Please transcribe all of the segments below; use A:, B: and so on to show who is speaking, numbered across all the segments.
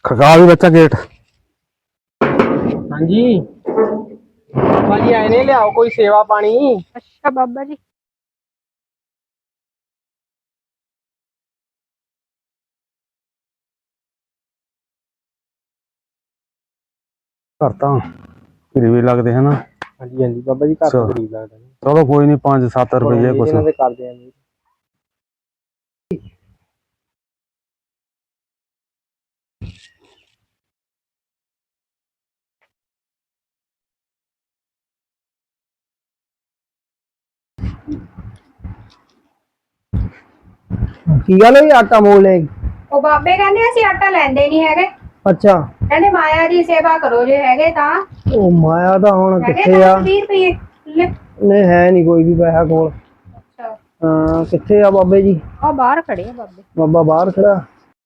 A: खड़का भी बच्चा गेट।
B: हाँ जी बाबा जी आए ने लियाओ कोई सेवा पानी।
C: अच्छा बाबा जी।
A: घर तो गरीबी लगते है ना।
B: हाँ जी बाबा जी घर तो गरीब लगता है।
A: चलो कोई नहीं 5-7 रुपये कुछ
B: इन्हां दे कर देंगे।
D: की गल होई आटा मोल ले
C: ਉਹ ਬਾਬੇ ਕਹਿੰਦੇ ਅਸੀਂ ਆਟਾ ਲੈਂਦੇ ਨਹੀਂ ਹੈਗੇ।
D: अच्छा
C: ਕਹਿੰਦੇ ਮਾਇਆ ਦੀ ਸੇਵਾ ਕਰੋ ਜੇ ਹੈਗੇ ਤਾਂ।
D: ओ माया दा हुण
C: ਹੈਗੇ
D: किथे आ
C: 20 ਰੁਪਏ ਲੈ।
D: नहीं है नहीं कोई भी पैसा कोल
C: ਅੱਛਾ
D: हां किथे आ बाबे जी
C: ਆ ਬਾਹਰ ਖੜੇ ਆ ਬਾਬੇ।
D: बाबा बाहर खड़ा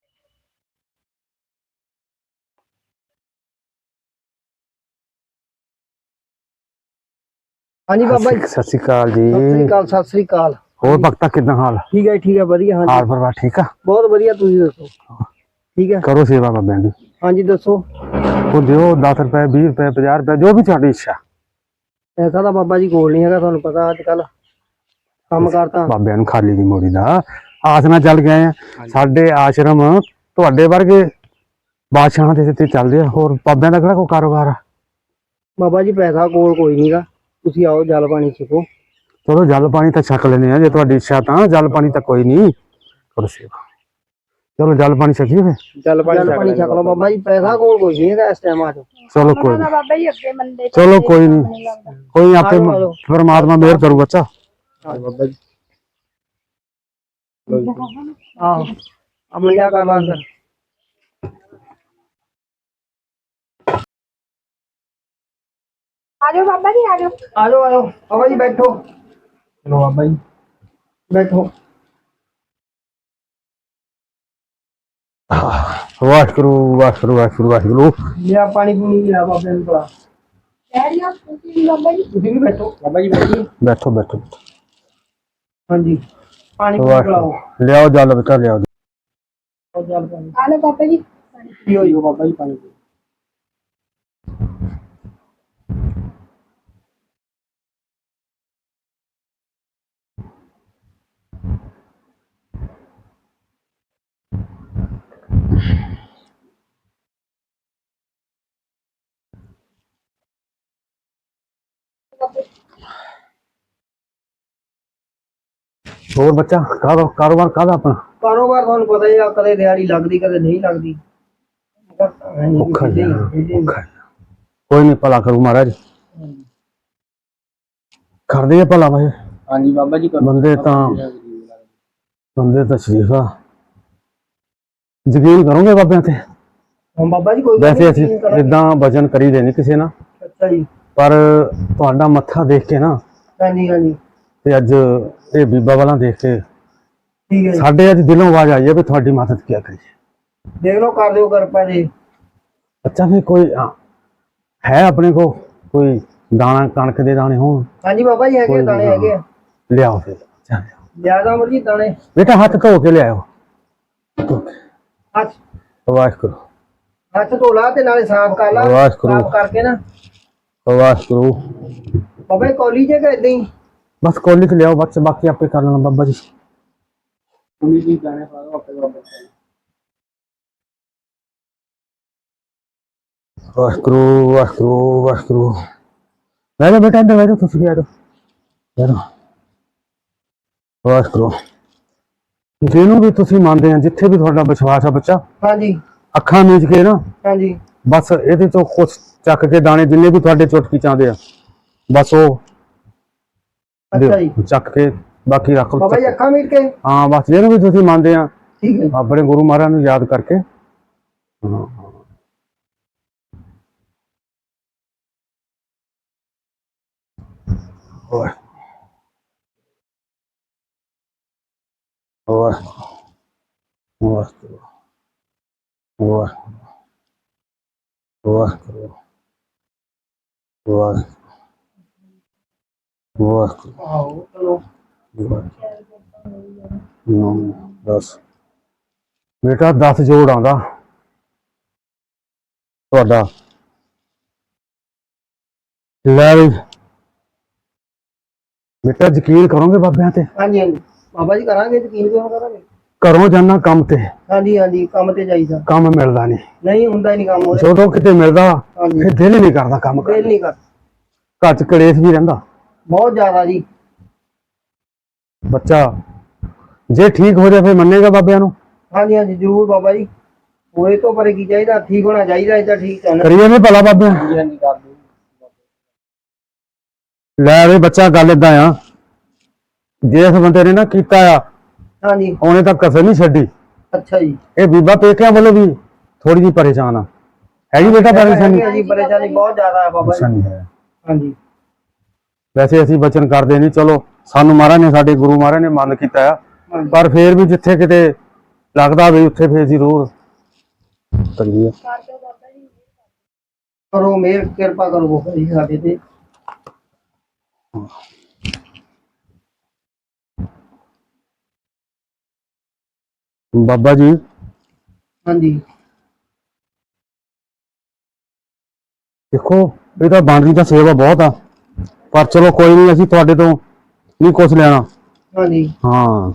D: हाँ जी बाबा जी
A: सत श्री अकाल जी।
D: सत श्री अकाल
A: होर भगता कितना हाल?
D: ठीक है वधिया हाँ
A: हाल
D: जी
A: परवार ठीक है?
D: बहुत वधिया तुसीं दसो ठीक है
A: करो सेवा बाबे की।
D: हाँ जी दसो
A: वो दियो 10 रुपए 20 रुपए 50 रुपए जो भी तुहाडी इच्छा।
D: ऐसा तो बाबा जी कोल नहीं है तुहानू पता अजकल काम करता
A: बाबे नूं खाली दी मोड़ी दा आस नाल चल गए हैं। साडे आश्रम तुहाडे वर्गे बादशाहां दे ते चलदे आ। होर बाबियां दा किहड़ा कोई कारोबार आ?
D: बाबा जी पैसा कोल कोई नहीं गा तुसीं आओ जल पानी छको
A: चलो जल पानी तो छक लेने जे तुहाडी इच्छा तां जल पानी तो कोई नहीं करो सेवा। चलो जल पानी छकीए फिर।
B: जल पानी
D: छक लो बाबा जी पैसा कोल कोई नहीं है इस टाइम आज
A: चलो कोई
C: ਉਹਨਾਂ ਦਾ
A: नहीं
C: ਬਾਬਾ ਜੀ ਅੱਗੇ ਮੰਦੇ
A: चलो कोई नहीं कोई आपे
D: आलो।
A: परमात्मा मेहर करू बच्चा।
B: बाबा जी
D: हाँ अब मिल कर ला अंदर
C: ਆ ਜਾਓ ਬਾਬਾ ਜੀ ਆ ਜਾਓ।
D: आ जाओ बाबा जी बैठो
B: चलो बाबा जी
D: बैठो
A: वाहिगुरू वाहिगुरू वाहिगुरू वाहिगुरू।
D: लिया पानी पूनी लिया बाबे ने पड़ा
C: ਡੈਡੀਆ ਤੁਸੀਂ ਵੀ बाबा जी।
D: तुसीं भी बैठो
B: बाबा जी बैठिए।
A: बैठो बैठो
D: हाँ जी पानी पूनी पिलाओ
A: लियाओ जल बेटा लियाओ।
D: और जल पानी
C: ਆ ਲਓ ਬਾਬਾ ਜੀ।
D: पियो जी
B: बाबा जी पानी
A: होर बच्चा कारोबार काहदा अपना?
D: कारोबार थानू पता ही आ कदे दिहाड़ी लगदी कदे नहीं लगदी
A: औखा ही है, औखा है। कोई नहीं भला करू महाराज कर दे भला भाई।
B: हाँ जी बाबा जी करो।
A: बंदे तो शरीफ आ यकीन करोगे बाबे ते?
D: हम बाबा जी कोई
A: वैसे असीं जिद्दां वचन करी दे नहीं किसी ना
D: अच्छा जी
A: पर तुहाडा मत्था देख के ना
D: हाँ जी
A: ते अज ये बीबा वाला देख के
D: ठीक है जी
A: साडे अज दिलों आवाज आई है भी तुहाडी मदद क्या करिए।
D: देख लो कर दो कृपा जी
A: अच्छा फिर कोई है अपने को कोई दाना कणक दे दाने हो?
D: हाँ जी बाबा जी है दाने है
A: लियाओ फिर चल
D: ज्यादा मर्जी दाने
A: बेटा हाथ धो के लियाओ।
D: हाथ
A: वाहिगुरू
D: हाथ धो ला ते नाले साफ कर ला
A: वाहिगुरू।
D: साफ करके ना
A: वाहिगुरू।
D: बाबा जी कॉलेज के इदां ही
A: बस कौली च लियाओ बस बाकी आपे कर लेना बाबा जी।
B: पूरी जी जाने वाला अपने बाबा जी।
A: वाहिगुरू वाहिगुरू वाहिगुरू। बैठो बेटा अंदर बैठो तुम भी आ जाओ बैठो। वाहिगुरू ਜਿਹਨੂੰ ਵੀ ਤੁਸੀਂ ਮੰਨਦੇ ਆ ਜਿੱਥੇ ਵੀ ਤੁਹਾਡਾ ਵਿਸ਼ਵਾਸ ਆ ਬੱਚਾ
D: हाँ जी
A: ਅੱਖਾਂ ਮੀਚ ਕੇ ਨਾ
D: हाँ जी
A: ਬਸ ਇਹਦੇ ਚੋਂ ਕੁਛ ਚੱਕ ਕੇ ਦਾਣੇ ਜਿੰਨੇ ਵੀ ਤੁਹਾਡੇ ਚੁਟਕੀ ਚਾਹੁੰਦੇ ਆ ਬਸ ਉਹ
D: अच्छा जी
A: ਚੱਕ ਕੇ ਬਾਕੀ ਰੱਖ ਲਓ।
D: बाबा जी अखा मीट के
A: ਹਾਂ ਬਸ ਜਿਹਨੂੰ ਵੀ ਤੁਸੀਂ ਮੰਨਦੇ ਆ
D: ठीक है
A: ਆਪਣੇ ਗੁਰੂ ਮਹਾਰਾਜ ਨੂੰ ਯਾਦ ਕਰਕੇ ਹਾਂ ਹੋਰ ਹੋਰ ਹੋਰ ਹੋਰ ਹੋਰ ਹੋਰ ਹੋਰ
D: आओ चलो
A: 9 10 बेटा 10 जोड़ आंदा ਤੁਹਾਡਾ। ਲੈ ਵੀ ਬੇਟਾ ਯਕੀਨ ਕਰੋਗੇ ਬਾਬਿਆਂ ਤੇ?
D: ਹਾਂਜੀ ਹਾਂਜੀ ਬਾਬਾ ਜੀ ਕਰਾਂਗੇ, ਯਕੀਨ ਕਿਉਂ ਕਰਾਂਗੇ।
A: ਘਰੋਂ ਜਾਣਾ ਕੰਮ ਤੇ,
D: ਹਾਂਜੀ ਹਾਂਜੀ ਕੰਮ ਤੇ ਜਾਈਦਾ,
A: ਕੰਮ ਮਿਲਦਾ ਨਹੀਂ।
D: ਨਹੀਂ ਹੁੰਦਾ ਹੀ ਨਹੀਂ ਕੰਮ ਉਹਦੇ।
A: ਜਦੋਂ ਕਿਤੇ ਮਿਲਦਾ
D: ਹਾਂਜੀ
A: ਫਿਰ ਦਿਲ ਹੀ ਨਹੀਂ ਕਰਦਾ ਕੰਮ
D: ਦਿਲ
A: ਕਰਨ
D: ਨਹੀਂ ਕਰ,
A: ਘਰ ਚ ਕਲੇਸ਼ ਵੀ ਰਹਿੰਦਾ।
D: ਬਹੁਤ ਜ਼ਿਆਦਾ ਜੀ।
A: ਬੱਚਾ ਜੇ ਠੀਕ ਹੋ ਜਾਏ ਫਿਰ ਮੰਨੇਗਾ ਬਾਬਿਆਂ ਨੂੰ?
D: ਹਾਂਜੀ ਹਾਂਜੀ ਜ਼ਰੂਰ ਬਾਬਾ ਜੀ, ਹੋਏ ਤੋਂ ਪਰੇ ਕੀ ਚਾਹੀਦਾ, ਠੀਕ ਹੋਣਾ ਚਾਹੀਦਾ, ਇਹ ਤਾਂ ਠੀਕ ਹੈ ਨਾ।
A: ਕਰੀਏ ਨਹੀਂ ਭਲਾ ਬਾਬਿਆਂ?
B: ਹਾਂਜੀ ਹਾਂਜੀ ਕਰ ਦਿਓ।
A: ਲੈ ਵੀ ਬੱਚਾ ਗੱਲ ਏਦਾਂ ਆ, ਜੇ ਇਸ ਬੰਦੇ ਨੇ ਨਾ ਕੀਤਾ ਆ
D: ਹਾਂਜੀ
A: ਉਹਨੇ ਤਾਂ ਕਸਰ ਨਹੀਂ ਛੱਡੀ।
D: ਅੱਛਾ ਜੀ।
A: ਇਹ ਬੀਬਾ ਪੇਕਿਆਂ ਵੱਲੋਂ ਵੀ ਥੋੜੀ ਜਿਹੀ ਪਰੇਸ਼ਾਨ ਆ। ਹੈਗੀ ਬੇਟਾ ਪਰੇਸ਼ਾਨੀ?
D: ਹਾਂਜੀ ਪਰੇਸ਼ਾਨੀ ਬਹੁਤ ਜ਼ਿਆਦਾ ਹੈ ਬਾਬਾ ਜੀ।
A: ਪਰੇਸ਼ਾਨੀ ਹੈ।
D: ਹਾਂਜੀ
A: ਵੈਸੇ ਅਸੀਂ ਬਚਨ ਕਰਦੇ ਨਹੀਂ, ਚਲੋ ਸਾਨੂੰ ਮਹਾਰਾਜ ਨੇ, ਸਾਡੇ ਗੁਰੂ ਮਹਾਰਾਜ ਨੇ ਮੰਨ ਕੀਤਾ ਆ,
D: ਹਾਂਜੀ।
A: ਪਰ ਫੇਰ ਵੀ ਜਿੱਥੇ ਕਿਤੇ ਲੱਗਦਾ ਵੀ ਉੱਥੇ ਫੇਰ ਜ਼ਰੂਰ ਕਰੀਏ।
D: ਕਰੋ ਮਿਹਰ, ਕਿਰਪਾ ਕਰੋ ਬਾਬਾ ਜੀ ਸਾਡੇ ਤੇ।
A: ਬਾਬਾ ਜੀ
D: ਹਾਂਜੀ
A: ਦੇਖੋ ਇਹ ਤਾਂ ਬਣ ਰਹੀ ਤਾਂ ਸੇਵਾ ਬਹੁਤ ਆ, ਪਰ ਚਲੋ ਕੋਈ ਨਹੀਂ, ਅਸੀਂ ਤੁਹਾਡੇ ਤੋਂ ਨਹੀਂ ਕੁਛ ਲੈਣਾ।
D: ਹਾਂਜੀ
A: ਹਾਂ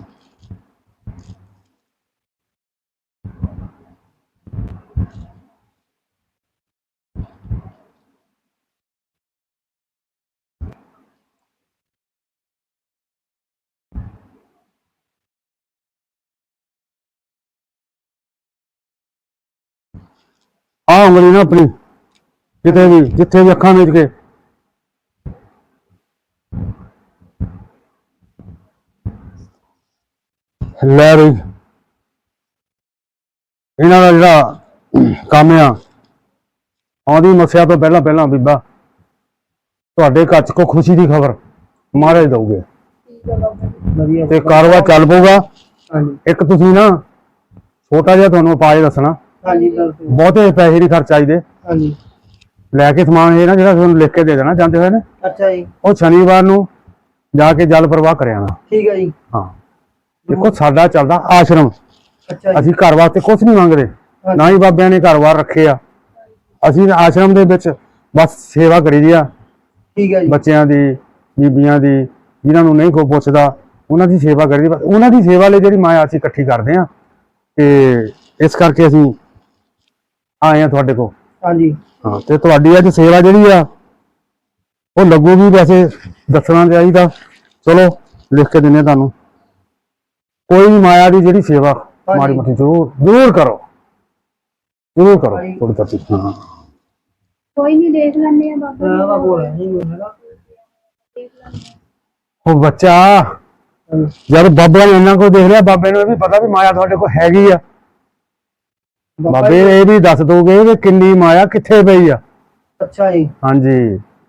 A: ਆਹ ਉਂਗਲੀ ਨਾ ਆਪਣੀ ਕਿਤੇ ਵੀ, ਜਿੱਥੇ ਵੀ ਅੱਖਾਂ ਮੀਚ ਕੇ ਲੈ ਬਈ। ਇਹਨਾਂ ਦਾ ਜਿਹੜਾ ਕੰਮ ਆ, ਆਉਂਦੀ ਮੱਸਿਆ ਤੋਂ ਪਹਿਲਾਂ ਪਹਿਲਾਂ ਬੀਬਾ ਤੁਹਾਡੇ ਘਰ ਚ ਕੋਈ ਖੁਸ਼ੀ ਦੀ ਖਬਰ ਮਹਾਰਾਜ ਦਊਗੇ
D: ਵਧੀਆ
A: ਤੇ ਕਾਰੋਬਾਰ ਚੱਲ ਪਊਗਾ।
D: ਹਾਂਜੀ
A: ਇੱਕ ਤੁਸੀਂ ਨਾ ਛੋਟਾ ਜਿਹਾ ਤੁਹਾਨੂੰ ਉਪਾਅ ਦੱਸਣਾ,
D: ਹਾਂਜੀ ਬਿਲਕੁਲ।
A: ਬਹੁਤੇ ਪੈਸੇ ਨਹੀਂ ਖਰਚ ਚਾਹੀਦੇ।
D: ਹਾਂਜੀ
A: ਲੈ ਕੇ ਸਮਾਨ ਇਹ ਨਾ ਜਿਹੜਾ ਤੁਹਾਨੂੰ ਲਿਖ ਕੇ ਦੇ ਦੇਣਾ ਜਾਂਦੇ ਹੋਏ ਨੇ,
D: ਅੱਛਾ ਜੀ
A: ਉਹ ਸ਼ਨੀਵਾਰ ਨੂੰ ਜਾ ਕੇ ਜਲ ਪ੍ਰਵਾਹ ਕਰ ਆਣਾ।
D: ਠੀਕ ਹੈ ਜੀ।
A: ਹਾਂ ਦੇਖੋ ਸਾਡਾ ਚੱਲਦਾ ਆਸ਼ਰਮ,
D: ਅੱਛਾ ਜੀ
A: ਅਸੀਂ ਘਰ ਵਾਸਤੇ ਕੁਝ ਨਹੀਂ ਮੰਗਦੇ, ਨਾ ਹੀ ਬਾਬਿਆਂ ਨੇ ਘਰ-ਬਾਰ ਰੱਖੇ ਆ। ਅਸੀਂ ਆਸ਼ਰਮ ਦੇ ਵਿੱਚ ਬਸ ਸੇਵਾ ਕਰੀ ਦੀ ਆ,
D: ਠੀਕ ਹੈ ਜੀ।
A: ਬੱਚਿਆਂ ਦੀ, ਬੀਬੀਆਂ ਦੀ, ਜਿਨ੍ਹਾਂ ਨੂੰ ਨਹੀਂ ਕੋਈ ਪੁੱਛਦਾ ਉਹਨਾਂ ਦੀ ਸੇਵਾ ਕਰੀ ਦੀ। ਬਸ ਉਹਨਾਂ ਦੀ ਸੇਵਾ ਲਈ ਜਿਹੜੀ ਮਾਇਆ ਅਸੀਂ ਇਕੱਠੀ ਕਰਦੇ ਆ, ਤੇ ਇਸ ਕਰਕੇ ਅਸੀਂ ਆਏ ਆ ਤੁਹਾਡੇ ਕੋਲ।
D: ਹਾਂਜੀ
A: ਹਾਂ ਤੇ ਤੁਹਾਡੀ ਅੱਜ ਸੇਵਾ ਜਿਹੜੀ ਆ ਉਹ ਲੱਗੂਗੀ, ਵੈਸੇ ਦੱਸਣਾ ਚਾਹੀਦਾ, ਚਲੋ ਲਿਖ ਕੇ ਦਿੰਦੇ ਤੁਹਾਨੂੰ। ਕੋਈ ਵੀ ਮਾਇਆ ਦੀ ਜਿਹੜੀ ਸੇਵਾ ਮਾੜੀ ਮੋਟੀ ਜ਼ਰੂਰ ਕਰੋ, ਜ਼ਰੂਰ ਕਰੋ ਥੋੜੀ ਥੋੜੀ। ਹਾਂ
C: ਕੋਈ ਨਹੀਂ, ਦੇਖ ਲੈਂਦੇ ਆ ਬਾਬਾ
D: ਮੈਂ ਤਾਂ ਬੋਲ ਨਹੀਂ ਹੈਗਾ।
A: ਉਹ ਬੱਚਾ ਜਦ ਬਾਬਾ ਨੇ ਇਹਨਾਂ ਕੋਲ ਦੇਖ ਲਿਆ, ਬਾਬੇ ਨੂੰ ਇਹ ਵੀ ਪਤਾ ਵੀ ਮਾਇਆ ਤੁਹਾਡੇ ਕੋਲ ਹੈਗੀ ਆ। ਬਾਬੇ ਇਹ ਵੀ ਦੱਸ ਦੋਗੇ ਕਿ ਕਿੰਨੀ ਮਾਇਆ ਕਿੱਥੇ ਪਈ ਆ।
D: ਅੱਛਾ ਜੀ
A: ਹਾਂਜੀ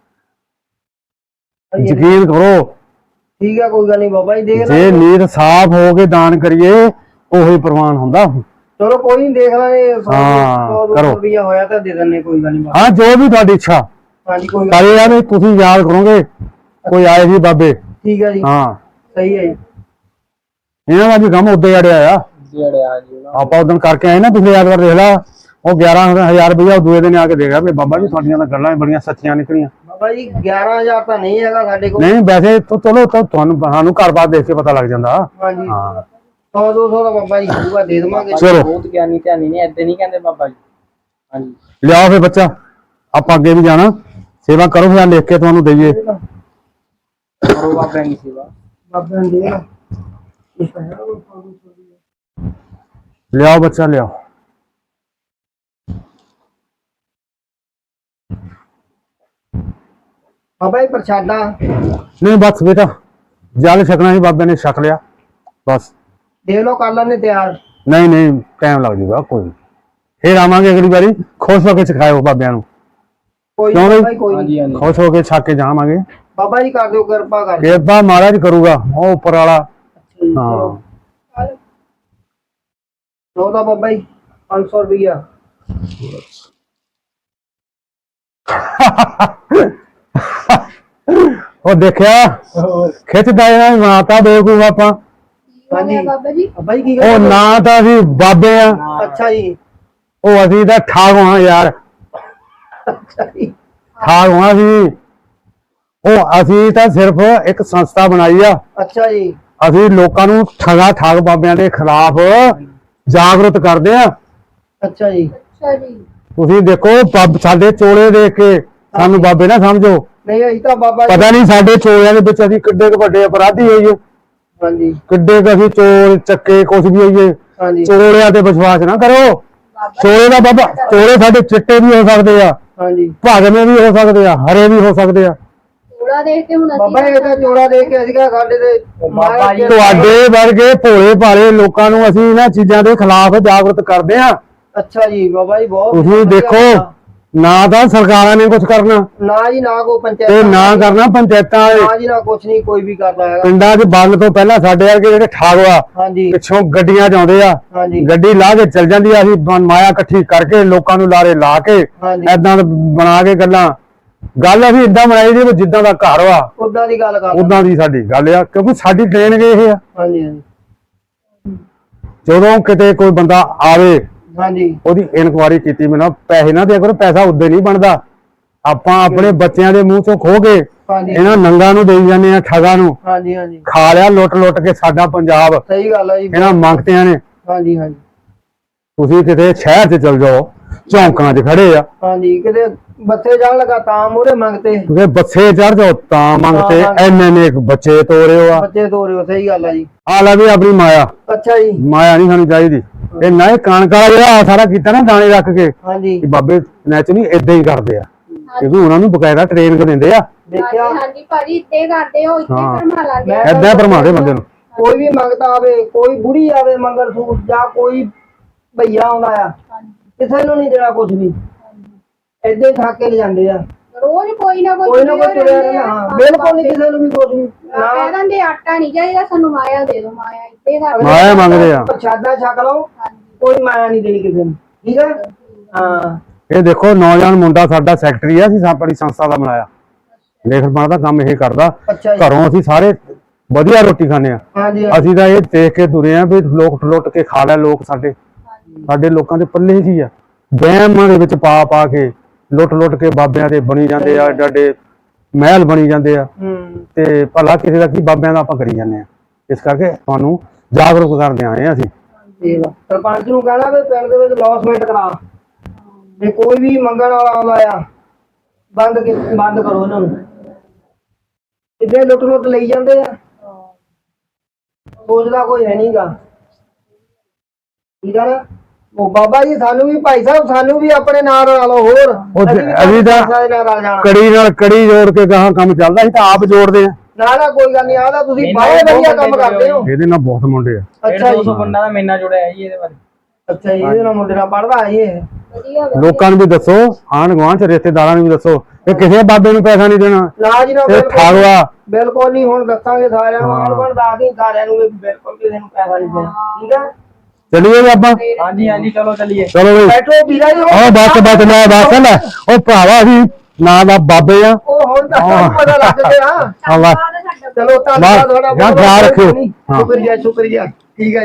A: ਯਕੀਨ ਕਰੋ,
D: ਠੀਕ ਹੈ ਕੋਈ ਗੱਲ ਨਹੀਂ ਬਾਬਾ ਜੀ, ਦੇਖ
A: ਜੇ
D: ਲਾਂਗੇ।
A: ਨੀਤ ਸਾਫ਼ ਹੋ ਕੇ ਦਾਨ ਕਰੀਏ ਉਹੀ ਪ੍ਰਵਾਨ ਹੁੰਦਾ।
D: ਚਲੋ ਕੋਈ ਨਹੀਂ, ਦੇਖ ਲਾਂਗੇ।
A: ਹਾਂ, ਕਰੋ।
D: ਰੁਪਈਆ ਹੋਇਆ ਤਾਂ ਦੇ ਦਿੰਨੇ, ਕੋਈ ਗੱਲ ਨਹੀਂ।
A: ਹਾਂ ਜੋ ਵੀ ਤੁਹਾਡੀ ਇੱਛਾ
D: ਹਾਂਜੀ ਕੋਈ ਗੱਲ
A: ਕਰੇ ਯਾਰ, ਵੀ ਤੁਸੀਂ ਯਾਦ ਕਰੋਗੇ ਕੋਈ ਆਏ ਸੀ ਬਾਬੇ।
D: ਠੀਕ ਹੈ ਜੀ।
A: ਹਾਂ
D: ਸਹੀ ਹੈ ਜੀ।
A: ਇਹਨਾਂ ਦਾ ਵੀ ਕੰਮ ਉੱਦੇ ਅੜਿਆ ਆ।
B: ਜਿਹੜਿਆ ਜੀ ਉਹਨਾਂ
A: ਆਪਾਂ ਉਦੋਂ ਕਰਕੇ ਆਏ ਨਾ ਪਿਛਲੇ ਐਤਵਾਰ, ਦੇਖ ਲਾ ਉਹ 11,000 ਰੁਪਇਆ ਉਹ ਦੂਏ ਦਿਨ ਆ ਕੇ ਦੇ ਗਿਆ ਵੀ ਬਾਬਾ ਜੀ ਤੁਹਾਡੀਆਂ ਤਾਂ ਗੱਲਾਂ ਬੜੀਆਂ ਸੱਚੀਆਂ ਨਿਕਲੀਆਂ।
D: ਬਾਬਾ ਜੀ 11,000 ਤਾਂ ਨਹੀਂ ਹੈਗਾ ਸਾਡੇ ਕੋਲ।
A: ਨਹੀਂ ਵੈਸੇ ਚਲੋ ਤੁਹਾਨੂੰ ਸਾਨੂੰ ਘਰ-ਬਾਰ ਦੇਖ ਕੇ ਪਤਾ ਲੱਗ ਜਾਂਦਾ।
D: ਹਾਂਜੀ
A: ਹਾਂ
D: 100-200 ਦਾ ਬਾਬਾ ਜੀ ਹੋਊਗਾ, ਦੇ ਦੇਵਾਂਗੇ।
A: ਚਲੋ
B: ਬਹੁਤ ਗਿਆਨੀ ਧਿਆਨੀ ਨੇ, ਏਦਾਂ ਨਹੀਂ ਕਹਿੰਦੇ ਬਾਬਾ ਜੀ। ਹਾਂਜੀ
A: ਲਿਆਓ ਫੇ ਬੱਚਾ, ਆਪਾਂ ਅੱਗੇ ਵੀ ਜਾਣਾ, ਸੇਵਾ ਕਰੋ ਫਿਰ ਲਿਖ ਕੇ ਤੁਹਾਨੂੰ ਦਈਏ।
B: ਕਰੋ ਬਾਬਾ ਦੀ ਸੇਵਾ।
D: ਬਾਬਾ ਨੇ ਦੇ ਨਾ ਇਹ ਤਾਂ ਹੈਗਾ ਕੋਈ 100-200 ਦੀ।
A: ਲਿਆਓ ਬੱਚਾ ਲਿਆਓ।
D: ਬਾਬਾ ਜੀ ਪ੍ਰਸ਼ਾਦਾ
A: ਨਹੀਂ ਬਸ ਬੇਟਾ ਜਲ ਛਕਣਾ ਸੀ, ਬਾਬੇ ਨੇ ਛਕ ਲਿਆ ਬਸ।
D: ਦੇਖ ਲਓ, ਕਰ ਲੈਣੇ ਤਿਆਰ।
A: ਨਹੀਂ ਨਹੀਂ ਟਾਈਮ ਲੱਗ ਜੂਗਾ, ਕੋਈ ਨੀ। ਫਿਰ ਆਵਾਂਗੇ ਅਗਲੀ ਵਾਰੀ, ਖੁਸ਼ ਹੋ ਕੇ ਸਿਖਾਇਓ ਬਾਬਿਆਂ ਨੂੰ।
D: ਕੋਈ
A: ਕਿਉਂ
D: ਨਹੀਂ
A: ਬਈ?
D: ਬਾਬਾ ਜੀ, ਕੋਈ
B: ਹਾਂਜੀ
D: ਨਹੀਂ।
B: ਹਾਂਜੀ
A: ਖੁਸ਼ ਹੋ ਕੇ ਛੱਕ ਕੇ ਜਾਵਾਂਗੇ।
D: ਬਾਬਾ ਜੀ ਕਰ ਦਿਓ, ਕਿਰਪਾ ਕਰ ਦਿਓ।
A: ਕਿਰਪਾ ਮਹਾਰਾਜ ਕਰੂਗਾ, ਉਹ ਉੱਪਰ ਵਾਲਾ। ਹਾਂ
D: ਲਓ ਤਾਂ ਬਾਬਾ ਜੀ 500 ਰੁਪਈਆ।
A: ਉਹ ਦੇਖਿਆ ਖਿੱਚਦਾ ਇਹਨਾਂ ਮਾਤਾ ਬੇਵਕੂਫ ਆਪਾਂ।
D: ਹਾਂਜੀ
C: ਬਾਬਾ ਜੀ
D: ਬਾਬਾ ਜੀ ਕੀ
A: ਉਹ
D: ਗੱਲ?
A: ਨਾ ਤਾਂ ਅਸੀਂ ਬਾਬੇ ਆ,
D: ਅੱਛਾ ਜੀ
A: ਉਹ ਅਸੀਂ ਤਾਂ ਠਾਗ ਹਾਂ ਯਾਰ।
D: ਅੱਛਾ ਜੀ
A: ਠਾਗ ਹੋਣਾ ਸੀ। ਉਹ ਅਸੀਂ ਤਾਂ ਸਿਰਫ ਇੱਕ ਸੰਸਥਾ ਬਣਾਈ ਆ।
D: ਅੱਛਾ ਜੀ
A: ਅਸੀਂ ਲੋਕਾਂ ਨੂੰ ਠਾਗ ਬਾਬਿਆਂ ਦੇ ਖਿਲਾਫ ਜਾਗਰੂਕ ਕਰਦੇ ਆ।
D: ਅੱਛਾ ਜੀ
C: ਅੱਛਾ ਜੀ।
A: ਤੁਸੀਂ ਦੇਖੋ ਸਾਡੇ ਚੋਲੇ ਦੇਖ ਕੇ ਸਾਨੂੰ ਬਾਬੇ ਨਾ ਸਮਝੋ।
D: ਨਹੀਂ ਅਸੀਂ ਤਾਂ ਬਾਬਾ ਜੀ
A: ਪਤਾ ਨਹੀਂ ਸਾਡੇ ਚੋਲਿਆਂ ਦੇ ਵਿੱਚ ਅਸੀਂ ਕਿੱਡੇ ਕੁ ਵੱਡੇ ਅਪਰਾਧੀ ਹੋਈਏ,
D: ਹਾਂਜੀ
A: ਕਿੱਡੇ ਕੁ ਅਸੀਂ ਚੋਰ ਚੱਕੇ ਕੁਛ ਵੀ ਹੋਈਏ।
D: ਹਾਂਜੀ
A: ਚੋਲਿਆਂ ਤੇ ਵਿਸ਼ਵਾਸ ਨਾ ਕਰੋ। ਚੋਲੇ ਦਾ ਬਾਬਾ, ਚੋਲੇ ਸਾਡੇ ਚਿੱਟੇ ਵੀ ਹੋ ਸਕਦੇ ਆ,
D: ਹਾਂਜੀ
A: ਭਾਗਵੇਂ ਵੀ ਹੋ ਸਕਦੇ ਆ, ਹਰੇ ਵੀ ਹੋ ਸਕਦੇ ਆ।
C: ਥੋੜਾ ਦੇਖ ਕੇ ਹੁਣ
D: ਬਾਬਾ ਇਹ ਤਾਂ ਚੋੜਾ ਦੇਖ ਕੇ ਅਸੀਂ ਕਿਹਾ ਸਾਡੇ ਤੇ
B: ਬਾਬਾ ਜੀ
A: ਤੁਹਾਡੇ ਵਰਗੇ ਭੋਲੇ ਭਾਲੇ ਲੋਕਾਂ ਨੂੰ ਅਸੀਂ ਇਹਨਾਂ ਚੀਜ਼ਾਂ ਦੇ ਖਿਲਾਫ ਜਾਗਰੂਕ ਕਰਦੇ ਆ।
D: ਅੱਛਾ ਜੀ ਬਾਬਾ ਜੀ ਬਹੁਤ
A: ਤੁਸੀਂ
D: ਵਧੀਆ
A: ਦੇਖੋ
D: ਗੱਲ
A: ਨਾ ਤਾਂ ਸਰਕਾਰਾਂ ਨੇ ਕੁਝ ਕਰਨਾ
D: ਆ। ਨਾ ਜੀ ਨਾ ਕੋ ਪੰਚਾਇਤ
A: ਤੇ ਨਾ ਕਰਨਾ ਪੰਚਾਇਤਾਂ ਵਾਲੇ।
D: ਨਾ ਜੀ ਨਾ ਕੁਛ ਨਹੀਂ ਕੋਈ ਵੀ ਕਰਦਾ ਹੈਗਾ।
A: ਪਿੰਡਾਂ 'ਚ ਬੰਦ ਤੋਂ ਪਹਿਲਾਂ ਸਾਡੇ ਵਰਗੇ ਜਿਹੜੇ ਠਾਗ ਆ
D: ਹਾਂਜੀ
A: ਪਿੱਛੋਂ ਗੱਡੀਆਂ 'ਚ ਆਉਂਦੇ ਆ,
D: ਹਾਂਜੀ
A: ਗੱਡੀ ਲਾ ਕੇ ਚੱਲ ਜਾਂਦੀ ਆ। ਅਸੀਂ ਮਾਇਆ ਇਕੱਠੀ ਕਰਕੇ ਲੋਕਾਂ ਨੂੰ ਲਾਰੇ ਲਾ ਕੇ
D: ਹਾਂਜੀ
A: ਏਦਾਂ ਬਣਾ ਕੇ ਗੱਲਾਂ। ਗੱਲ ਅਸੀਂ ਇਦਾਂ ਬਣਾਈ ਦੀ ਵੀ ਜਿੱਦਾਂ ਦਾ ਘਰ ਵਾ
D: ਉਦਾਂ ਦੀ ਗੱਲ ਕਰ
A: ਉਦਾਂ ਦੀ ਸਾਡੀ ਗੱਲ ਆ, ਕਿਉਂਕਿ ਸਾਡੀ ਟ੍ਰੇਨ ਗਏ ਇਹ ਆ।
D: ਹਾਂਜੀ ਹਾਂਜੀ
A: ਜਦੋਂ ਕਿਤੇ ਕੋਈ ਬੰਦਾ ਆਵੇ
D: ਹਾਂਜੀ
A: ਉਹਦੀ ਇਨਕੁਆਇਰੀ ਕੀਤੀ ਮੈਨਾਂ ਪੈਸੇ ਨਾ ਦਿਆ ਕਰੋ। ਪੈਸਾ ਉਦੋਂ ਨਹੀਂ ਬਣਦਾ। ਆਪਾਂ ਆਪਣੇ ਬੱਚਿਆਂ ਦੇ ਮੂੰਹ ਚੋਂ ਖੋ ਕੇ
D: ਹਾਂਜੀ
A: ਇਹਨਾਂ ਨੰਗਾ ਨੂੰ ਦੇਈ ਜਾਂਦੇ ਆ, ਠੱਗਾਂ ਨੂੰ।
D: ਹਾਂਜੀ ਹਾਂਜੀ
A: ਖਾ ਲਿਆ ਲੁੱਟ ਲੁੱਟ ਕੇ ਸਾਡਾ ਪੰਜਾਬ
D: ਸਹੀ ਗੱਲ ਆ ਜੀ
A: ਇਹਨਾਂ ਮੰਗਤਿਆਂ ਨੇ।
D: ਹਾਂਜੀ ਹਾਂਜੀ
A: ਤੁਸੀਂ ਕਿਤੇ ਸ਼ਹਿਰ 'ਚ ਚਲ ਜਾਓ, ਚੌਂਕਾਂ 'ਚ ਖੜੇ ਆ,
D: ਹਾਂਜੀ ਕਿਤੇ ਬੱਸੇ ਜਾਣ ਲੱਗਾ ਤਾਂ ਮੂਹਰੇ ਮੰਗਤੇ
A: ਕਿਤੇ ਬੱਸੇ ਚੜ ਜਾਓ ਤਾਂ ਮੰਗਤੇ।
D: ਹਾਂ।
A: ਐਨੇ ਬੱਚੇ ਤੋਰਿਓ ਆ।
D: ਬੱਚੇ ਤੋਰਿਓ ਸਹੀ ਗੱਲ ਆ ਜੀ।
A: ਆ ਲੈ ਵੀ ਆਪਣੀ ਮਾਇਆ।
D: ਅੱਛਾ ਜੀ
A: ਮਾਇਆ ਨਹੀਂ ਸਾਨੂੰ ਚਾਹੀਦੀ। ਇਹ ਨਾ ਇਹ ਕਣਕ ਵਾਲਾ ਜਿਹੜਾ ਸਾਰਾ ਕੀਤਾ ਨਾ ਦਾਣੇ ਰੱਖ ਕੇ,
D: ਹਾਂਜੀ
A: ਇਹ ਬਾਬੇ ਨੈਚੁਰਲੀ ਏਦਾਂ ਹੀ ਕਰਦੇ ਆ, ਕਿਉਂਕਿ ਉਹਨਾਂ ਨੂੰ ਬਕਾਇਦਾ ਟ੍ਰੇਨ ਦਿੰਦੇ ਆ।
D: ਦੇਖਿਆ
C: ਹਾਂਜੀ ਭਾਜੀ ਇੱਥੇ ਕਰਦੇ ਹੋ, ਇੱਥੇ
A: ਹਾਂ।
C: ਕਰਮਾ ਲਾਂਗੇ।
D: ਮੈਂ
A: ਏਦਾਂ ਭਰਮਾਉਂਦੇ ਬੰਦੇ ਨੂੰ।
D: ਕੋਈ ਵੀ ਮੰਗਤਾ ਆਵੇ, ਕੋਈ ਬੁੜੀ ਆਵੇ ਮੰਗਲ ਸੂਤ ਜਾਂ ਕੋਈ ਭਈਆ ਆਉਂਦਾ ਆ, ਕਿਸੇ ਨੂੰ ਨਹੀਂ ਦੇਣਾ ਕੁਝ ਵੀ। ਏਦਾਂ ਹੀ ਠੱਕ ਕੇ ਲਿਜਾਂਦੇ ਆ।
C: ਰੋਜ਼ ਕੋਈ ਨਾ
D: ਕੋਈ ਨਾ ਕੋਈ ਤੁਰਿਆ ਰਹਿੰਦਾ। ਹਾਂ ਬਿਲਕੁਲ ਨਹੀਂ ਕਿਸੇ ਨੂੰ ਵੀ ਕੁਝ ਵੀ ਨਾ
C: ਕਹਿ ਦਿੰਦੇ ਆਟਾ ਨਹੀਂ ਚਾਹੀਦਾ ਸਾਨੂੰ, ਮਾਇਆ ਦੇ ਦਿਓ, ਮਾਇਆ ਇੱਥੇ ਕਰਦੇ।
A: ਮਾਇਆ ਮੰਗਦੇ ਆ।
D: ਪ੍ਰਸ਼ਾਦਾ ਛਕ ਲਓ, ਕੋਈ ਮਾਇਆ ਨਹੀਂ ਦੇਣੀ ਕਿਸੇ ਨੂੰ। ਠੀਕ ਹੈ ਹਾਂ
A: ਇਹ ਦੇਖੋ ਨੌਜਵਾਨ ਮੁੰਡਾ ਸਾਡਾ ਸੈਕਟਰੀ ਆ, ਅਸੀਂ ਆਪਣੀ ਸੰਸਥਾ ਦਾ ਬਣਾਇਆ। ਲੇਖਣ ਪੜ੍ਹਨ ਦਾ ਕੰਮ ਇਹ ਕਰਦਾ।
D: ਅੱਛਾ ਜੀ
A: ਘਰੋਂ ਅਸੀਂ ਸਾਰੇ ਵਧੀਆ ਰੋਟੀ ਖਾਂਦੇ ਆ।
D: ਹਾਂਜੀ
A: ਅਸੀਂ ਤਾਂ ਇਹ ਦੇਖ ਕੇ ਤੁਰੇ ਆ ਵੀ ਲੋਕ ਲੁੱਟ ਕੇ ਖਾ ਲੈ ਲੋਕ। ਸਾਡੇ ਲੋਕਾਂ ਦੇ ਪੱਲੇ ਕੀ ਆ? ਵਹਿਮਾਂ ਦੇ ਵਿੱਚ ਪਾ ਪਾ ਕੇ ਲੁੱਟ ਕੇ ਬਾਬਿਆਂ ਦੇ ਬਣੀ ਜਾਂਦੇ ਆ, ਏਡੇ ਮਹਿਲ ਬਣੀ ਜਾਂਦੇ ਆ। ਤੇ ਭਲਾ ਕਿਸੇ ਦਾ ਕੀ, ਬਾਬਿਆਂ ਦਾ ਆਪਾਂ ਕਰੀ ਜਾਂਦੇ ਆ। ਇਸ ਕਰਕੇ ਤੁਹਾਨੂੰ ਜਾਗਰੂਕ ਕਰਦੇ ਆਏ ਆ ਅਸੀਂ।
D: ਠੀਕ ਆ। ਸਰਪੰਚ ਨੂੰ ਕਹਿਣਾ ਵੀ ਪਿੰਡ ਦੇ ਵਿੱਚ ਲੌਸਮੈਂਟ ਕਰਾ, ਜੇ ਕੋਈ ਵੀ ਮੰਗਣ ਵਾਲਾ ਆਉਂਦਾ ਆ ਬੰਦ ਕਰੋ ਇਹਨਾਂ ਨੂੰ। ਕਿਤੇ ਲੁੱਟ ਲਈ ਜਾਂਦੇ ਆ, ਸੋਚਦਾ ਕੋਈ ਹੈ ਨਹੀਂਗਾ। ਠੀਕ ਆ ਨਾ। ਉਹ ਬਾਬਾ ਜੀ ਸਾਨੂੰ ਵੀ ਭਾਈ ਸਾਹਿਬ ਸਾਨੂੰ ਵੀ ਆਪਣੇ ਨਾਲ ਰਲਾ ਲਓ। ਹੋਰ
A: ਅਸੀਂ ਤਾਂ
D: ਨਾਲ ਰਲ ਜਾਣਾ।
A: ਕੜੀ ਨਾਲ ਕੜੀ ਜੋੜ ਕੇ ਗਾਹਾਂ ਕੰਮ ਚੱਲਦਾ, ਅਸੀਂ ਤਾਂ ਆਪ ਜੋੜਦੇ ਆ।
D: ਨਾ ਕੋਈ ਗੱਲ ਨਹੀਂ। ਆਦਾ ਤੁਸੀਂ ਬਹੁਤ ਵਧੀਆ ਕੰਮ ਕਰਦੇ ਹੋ।
A: ਇਹਦੇ ਨਾਲ ਬਹੁਤ ਮੁੰਡੇ ਆ।
D: ਅੱਛਾ ਜੀ
B: 200 ਬੰਦਾ ਦਾ ਮੇਨਾ ਜੁੜਿਆ ਹੈ ਜੀ ਇਹਦੇ ਬਾਰੇ।
D: ਅੱਛਾ ਜੀ ਇਹਦੇ ਨਾਲ ਮੁੰਡੇ ਨਾਲ ਪੜਦਾ ਹੈ ਇਹ।
C: ਵਧੀਆ
A: ਲੋਕਾਂ ਨੂੰ ਵੀ ਦੱਸੋ, ਆਂਢ ਗੁਆਂਢ ਚ ਰਿਸ਼ਤੇਦਾਰਾਂ ਨੂੰ ਵੀ ਦੱਸੋ ਕਿ ਕਿਸੇ ਬਾਬੇ ਨੂੰ ਪੈਸਾ ਨਹੀਂ ਦੇਣਾ।
D: ਨਾ ਜੀ ਨਾ
A: ਇਹ ਠਾਗਵਾ।
D: ਬਿਲਕੁਲ ਨਹੀਂ। ਹੁਣ ਦੱਸਾਂਗੇ ਸਾਰਿਆਂ ਨੂੰ, ਆਣ ਬਣ ਦੱਸਦੇ ਸਾਰਿਆਂ ਨੂੰ ਵੀ ਬਿਲਕੁਲ ਕਿਸੇ ਨੂੰ ਪੈਸਾ ਨਹੀਂ ਦੇਣਾ। ਠੀਕ ਹੈ
A: ਚੱਲੀਏ ਜੀ ਆਪਾਂ।
B: ਹਾਂਜੀ ਹਾਂਜੀ ਚਲੋ ਚੱਲੀਏ।
A: ਚਲੋ ਬਈ।
D: ਬੈਠੋ ਵੀਰਾ ਜੀ।
A: ਉਹ ਬਸ ਲੈ ਲੈ। ਉਹ ਭਰਾਵਾ ਅਸੀਂ ਨਾਂ ਦਾ ਬਾਬੇ ਆ।
D: ਉਹ ਹੁਣ ਤਾਂ ਸਾਨੂੰ ਪਤਾ ਲੱਗ ਗਿਆ।
A: ਹਾਂ
D: ਚਲੋ ਧੰਨਵਾਦ ਤੁਹਾਡਾ
A: ਖਿਆਲ ਰੱਖਿਓ।
D: ਸ਼ੁਕਰੀਆ ਠੀਕ ਹੈ।